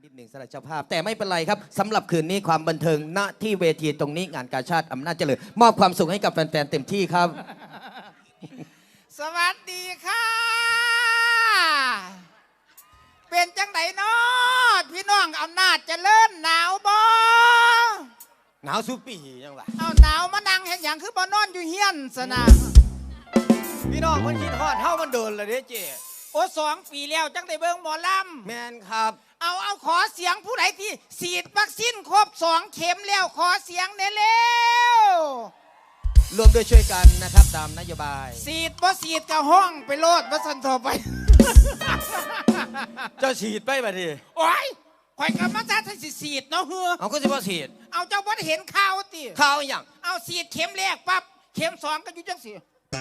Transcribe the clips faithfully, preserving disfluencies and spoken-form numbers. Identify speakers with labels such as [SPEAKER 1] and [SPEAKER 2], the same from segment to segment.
[SPEAKER 1] นิดหนึ่งสำหรับเจ้าภาพแต่ไม่เป็นไรครับสำหรับคืนนี้ความบันเทิงณที่เวทีตรงนี้งานกาชาติอำนาจเจริญมอบความสุขให้กับแฟนๆเต็มที่ครับ
[SPEAKER 2] สวัสดีค่ะ เป็นจังไดเนาะพี่น้องอำนาจเจริญหนาวบ่
[SPEAKER 1] หนาวสุปียังวะ
[SPEAKER 2] เอาหนาวมานั่งเห็นอย่างคือบ่นอนอยู่เฮียนสนะ
[SPEAKER 1] พี่น้องมันคิดฮอดเท่ามันเดินเลยเด้เจ๊
[SPEAKER 2] โอ้สองปีแล้วจังได้เบิ่งหมอล
[SPEAKER 1] แมนครับ
[SPEAKER 2] ำเอาเอาขอเสียงผู้ใดที่ฉีดวัคซีนครบสองเข็มแล้วขอเสียงเด้เร็ว
[SPEAKER 1] รวมด้วยช่วยกันนะครับตามนโยบาย
[SPEAKER 2] ฉีดบ่ฉีดกับห้องไปโลดว่าสันต่อไป
[SPEAKER 1] เจ้าฉีดไปบ่ที
[SPEAKER 2] โอ้ยข่อยกับมาซาทันสิฉีดเนาะเฮือ
[SPEAKER 1] เอาก็จะว่าฉีด
[SPEAKER 2] เอาเจ้าบ่ได้เห็นข่าวติ
[SPEAKER 1] ข้าวอหย่าง
[SPEAKER 2] เอาฉีดเข็มแรกปั๊บเข็มสองก็อยู่จังสิ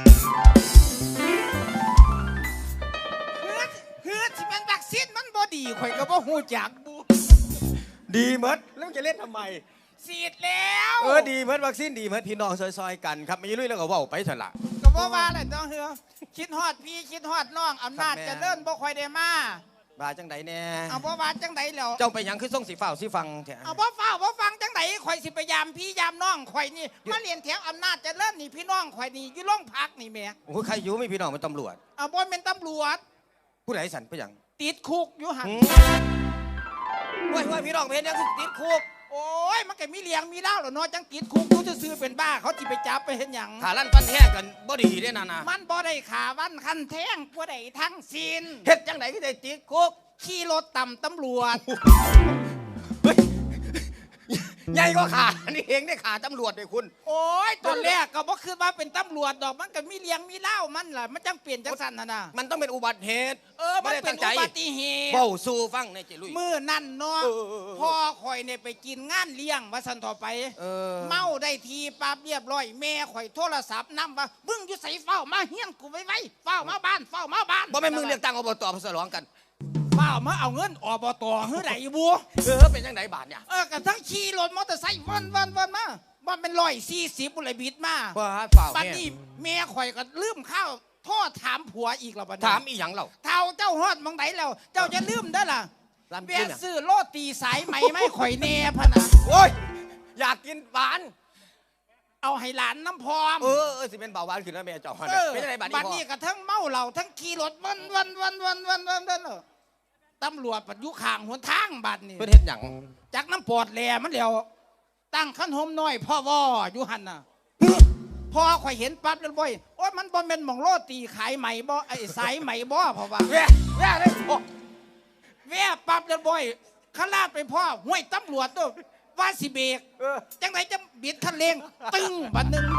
[SPEAKER 2] เฮือดเฮือดที่มันวัคซีนมันบ่ดีข่อยก็บ่ฮู้จักบุ
[SPEAKER 1] ดีเมดแล้วจะเล่นทำไม
[SPEAKER 2] ฉีดแล้ว
[SPEAKER 1] เออดีเมดวัคซีนดีเมดพี่น้องซอยๆกันครับไม่ลุยแล้วก็เว่าไปเถอะล่ะ
[SPEAKER 2] ก็บ่ว่าแหละเนาะเฮือคิดฮอดพี่คิดฮอดน้องอำนาจ
[SPEAKER 1] ครับแม่
[SPEAKER 2] เจะเดินบ่ค่อยได้มา
[SPEAKER 1] บาจังไดแน่
[SPEAKER 2] เอาบ่ว่าจังไดแล้ว
[SPEAKER 1] เจ้าไปหยังคือส่งสีฝ้าวสีฟังแท้
[SPEAKER 2] เอาบ่ฟ้าวบ่ฟังจังไดข่อยสิไปยามพี่ยามน้องข่อยนี่มาเรียนแถวอำนาจเจะเริ่นี่พี่น้องข่อยนี่อยู่โรงพักนี่แหม่
[SPEAKER 1] โอ้ยใครอยู่ไม่พี่น้องเป็นตำรวจ
[SPEAKER 2] เอาบ่เป็นตำรวจ
[SPEAKER 1] ผู้ใดสันไปหยัง
[SPEAKER 2] ติดคุกอยู่หั่น
[SPEAKER 1] ว่าว่าพี่น้องเพนยังคือติดคุก
[SPEAKER 2] โอ้ยมันก็มีเลี้ยงมีเล่าแล้วเนาะจังติดคุกอยู่ซื่อๆเป็นบ้าเขาสิไปจับไปเฮ็ดหยัง
[SPEAKER 1] ขาลั่นฟันแท้กันบ่ดีได้นานา
[SPEAKER 2] มันบ่ได้ขาวันคันแท้งบ่ได้ทั้งสิ้น
[SPEAKER 1] เฮ็ดจังไดก็ได้ติดคุก
[SPEAKER 2] ขี่รถต่ำตำรวจ
[SPEAKER 1] เฮ้ยใหญ่ก็ขานี่เองได้ขาตำรวจเลยคุณ
[SPEAKER 2] โอ้ยตอนแรกก็บ่คือว่าเป็นตำรวจดอกมันก็มีเลี้ยงมีเล่ามันล่ะมันจังเปลี่ยนจังซั่นน่ะนะ
[SPEAKER 1] มันต้องเป็นอุบัติเหตุ
[SPEAKER 2] เออมันเป็นอุบัติเหตุ
[SPEAKER 1] เบ้าสู่ฟังในเจลุย
[SPEAKER 2] มื้อนั่นเนาะ
[SPEAKER 1] เออเออเออ
[SPEAKER 2] พ่อข่อยเนี่ยไปกินงานเลี้ยงว่าซั่นต่อไป
[SPEAKER 1] เออ
[SPEAKER 2] เมาได้ทีปั๊บเรียบร้อยแม่ข่อยโทรศัพท์นำว่ามึงอยู่ไสเฝ้ามาเฮียนกูไว้ไว้เฝ้ามาบ้านเฝ้ามาบ้าน
[SPEAKER 1] บ่แม่นมึงเรียกตั้งอบตมาสลองกัน
[SPEAKER 2] เฝ้ามาเอาเงินอบตเฮือใดบัว
[SPEAKER 1] เออเป็นจังไดบาทเนี่ย
[SPEAKER 2] เออกระทั่งขี่รถมอเตอร์ไซค์วันวันวันมาว่าเป็นร้อยสี่สิบบุหรี่บิดมา
[SPEAKER 1] ว่าเปล่า
[SPEAKER 2] บัด
[SPEAKER 1] แม่
[SPEAKER 2] นี้แม่ข่อยก็ลืมข้าวโทษถามผัวอีกแล้วบัดนี้
[SPEAKER 1] ถามอีหยังเรา
[SPEAKER 2] เท่าเจ้าฮอดมองไหนแล้ว เจ้าจะลืมได้อล่ะ
[SPEAKER 1] ร้าน
[SPEAKER 2] แว
[SPEAKER 1] กิน
[SPEAKER 2] ะ
[SPEAKER 1] อ่ะ
[SPEAKER 2] ซื้อโรตีสายไหมไม่ข่อยแน่พะนะ
[SPEAKER 1] โอ้ยอยากกินหวาน
[SPEAKER 2] เอาให้หลานน้ำพร้อม
[SPEAKER 1] เออเออสิเป็นเบาหวานขึ้นแล้วแม่เจ้าฮอด
[SPEAKER 2] เออ
[SPEAKER 1] เป็นจังไดบาท
[SPEAKER 2] บัด
[SPEAKER 1] นี้
[SPEAKER 2] นี้
[SPEAKER 1] พ่อ
[SPEAKER 2] ก็ทั้งเมาเหล้าทั้งขี่รถวันวันวันวันวันวันวันเออตำรวจปัดอยุข่างหนทางบัดนี้
[SPEAKER 1] เพิ่นเฮ็ดหยัง
[SPEAKER 2] จากน้ำปอดแหลมันแล้วตั้งขั้นโฮมน้อยพ่อวออยู่หันน่ะพอข่อยเห็นปั๊บแล้วบ่อยโอ้ยมันบ่แม่นหม่องโรตีขายไหมบ่ไอ้สายไหมบ่เพราะว่า
[SPEAKER 1] แว่แว่เลยพ่อ
[SPEAKER 2] แว่ปั๊บแล้วบ่อยขลาดไปพ่อห้วยตำรวจตัวว่าสิเบรก
[SPEAKER 1] เออ
[SPEAKER 2] จังไหนจะบิดคันเร่งตึ้งบัดหนึง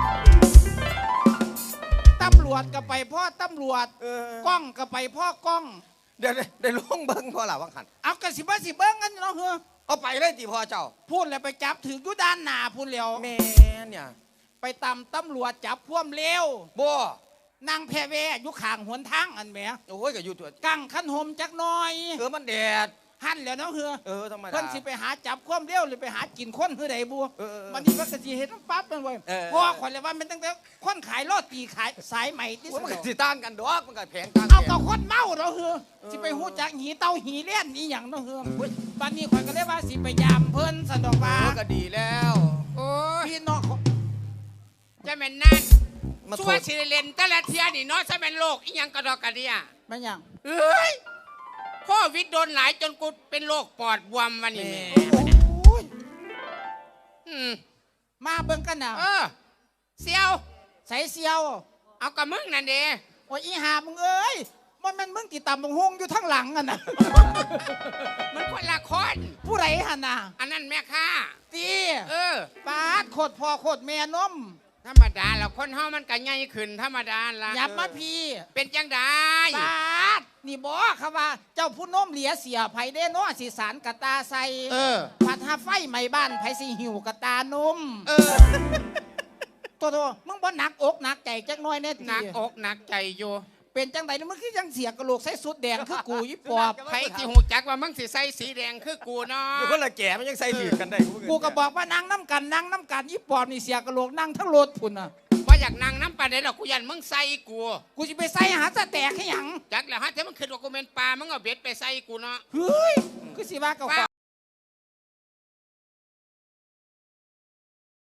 [SPEAKER 2] ตำรวจก็ไปพ่อตำรวจ
[SPEAKER 1] เออ
[SPEAKER 2] กล้องก็ไปพ่อกล้อง
[SPEAKER 1] เดี๋ยวได้ลงเบิ่งพ่อล่ะว่าคั่น
[SPEAKER 2] เอากระสิบ่สิเบิ่งกันเนาะเฮ้อ
[SPEAKER 1] เอาไปเลยติพ่อเจ้า
[SPEAKER 2] พูดแล้วไปจับถืออยู่ด้านหน้าพูดแล้ว
[SPEAKER 1] แม่เนี่ย
[SPEAKER 2] ไปตามตำรวจจับพ่วมเร็ว
[SPEAKER 1] บ่
[SPEAKER 2] นางแพรเวอยู่ข้างหนทางอันแหม
[SPEAKER 1] โอ้ยก็อยู่ตัว
[SPEAKER 2] กังขันหมจักหน่อย
[SPEAKER 1] เออมันแดด
[SPEAKER 2] หั่นแล้วเนาะเฮือ
[SPEAKER 1] เออธรรมดา
[SPEAKER 2] เพิ่นสิไปหาจับความเร็วหรือไปหากินคนคือใดบัว
[SPEAKER 1] เออเออ
[SPEAKER 2] มันนี่มันก็สิเห็นปั๊บมันไว้
[SPEAKER 1] เออ
[SPEAKER 2] พอข่อยเลยว่ามันตั้งแต่คนขายโรตีขายสายใหม่ที่
[SPEAKER 1] โอ้ย
[SPEAKER 2] สุ
[SPEAKER 1] มัน
[SPEAKER 2] ด
[SPEAKER 1] ก็สิต่างกันดอกมันก็แพงต่าง
[SPEAKER 2] เอา
[SPEAKER 1] กัน
[SPEAKER 2] กับคนเมาเนาะเฮือสิไปฮู้จักหีเต้าหีเล่นอีหยังเนาะเฮือบัดนี้ข่อยก็เลยว่าสิไปยามเพิ่นสะดอกว่า
[SPEAKER 1] เออก็ดีแล้ว
[SPEAKER 3] โอ้ย
[SPEAKER 2] พี่น้องเขา
[SPEAKER 3] จะเป็นนั่น
[SPEAKER 1] มา
[SPEAKER 3] ชั
[SPEAKER 1] โท
[SPEAKER 3] ว
[SPEAKER 1] ษ
[SPEAKER 3] สิริเลนแต่ละเทียนี่เนาะจะเป็นโรคอีหยังกระดอกกระเดีย
[SPEAKER 2] แม่นหยัง
[SPEAKER 3] เอ้ยโควิดโดนหลายจนกูเป็นโรคปอดบวมวันนี้แหม่
[SPEAKER 2] โอ้ย
[SPEAKER 3] อืม
[SPEAKER 2] มาเบิ่งกันน่ะ
[SPEAKER 3] เออเซียว
[SPEAKER 2] ใส่เสียว
[SPEAKER 3] เอากับมึงนั่นเด้
[SPEAKER 2] โอ้ยอีหามึงเอ้ยมันแมันมึงติดตามบังฮงอยู่ทั้งหลังอ่ะนะ
[SPEAKER 3] มันคนละคน
[SPEAKER 2] ผู้ไรหันน่ะ
[SPEAKER 3] อันนั้นแม่ค้า
[SPEAKER 2] ตี
[SPEAKER 3] เออ
[SPEAKER 2] ปาดโคตรพ่อโคตรแม่นม
[SPEAKER 3] ธรรมดาแล้วคนเฮามันก็ใหญ่ขึ้นธรรมดาละ
[SPEAKER 2] หยับมาพี่
[SPEAKER 3] เป็นจังได
[SPEAKER 2] ปาดนี่บอกเขาว่า เจ้าผู้นมเหลียเสียไผเด้เนาะสิสารกะตาใส่
[SPEAKER 3] เออ
[SPEAKER 2] ผัดหาไฟไหม้บ้านไผสิหิวกะตานม
[SPEAKER 3] เออ
[SPEAKER 2] ตัวตัวมึงบ่หนักอกหนักใจจักหน้อยแน่ตี
[SPEAKER 3] หนักอกหนักใจอยู่
[SPEAKER 2] เป็นจังไดนี่มึงคือจังเสียกระโหลกใส่สุดแดงคือกูยี่ปอบ
[SPEAKER 3] ใครที่หูจักว่ามึงสิใส่สีแดงคือกูเนาะ
[SPEAKER 1] อยู่คนละแก่มันยังใส่ถือกันได้
[SPEAKER 2] กูก็บอกว่านั่งน้ำกันนั่งน้ำกันยี่ปอบนี่เสียกระโหลกนั่งทั้งรถพุ่นน่ะ
[SPEAKER 3] ว่าอยากนั่งน้ำปลาได้หรอกกูยันมึงใส่กู
[SPEAKER 2] กูจะไปใส่หาสะแตกให้หยัง
[SPEAKER 3] จักแล้วฮะถ้ามึงขึ้นว่ากูเป็นปลามึงเอาเบ็ดไปใส่กูเนาะ
[SPEAKER 2] เฮ้ยคือสิว่าเก่า
[SPEAKER 3] เฝ้า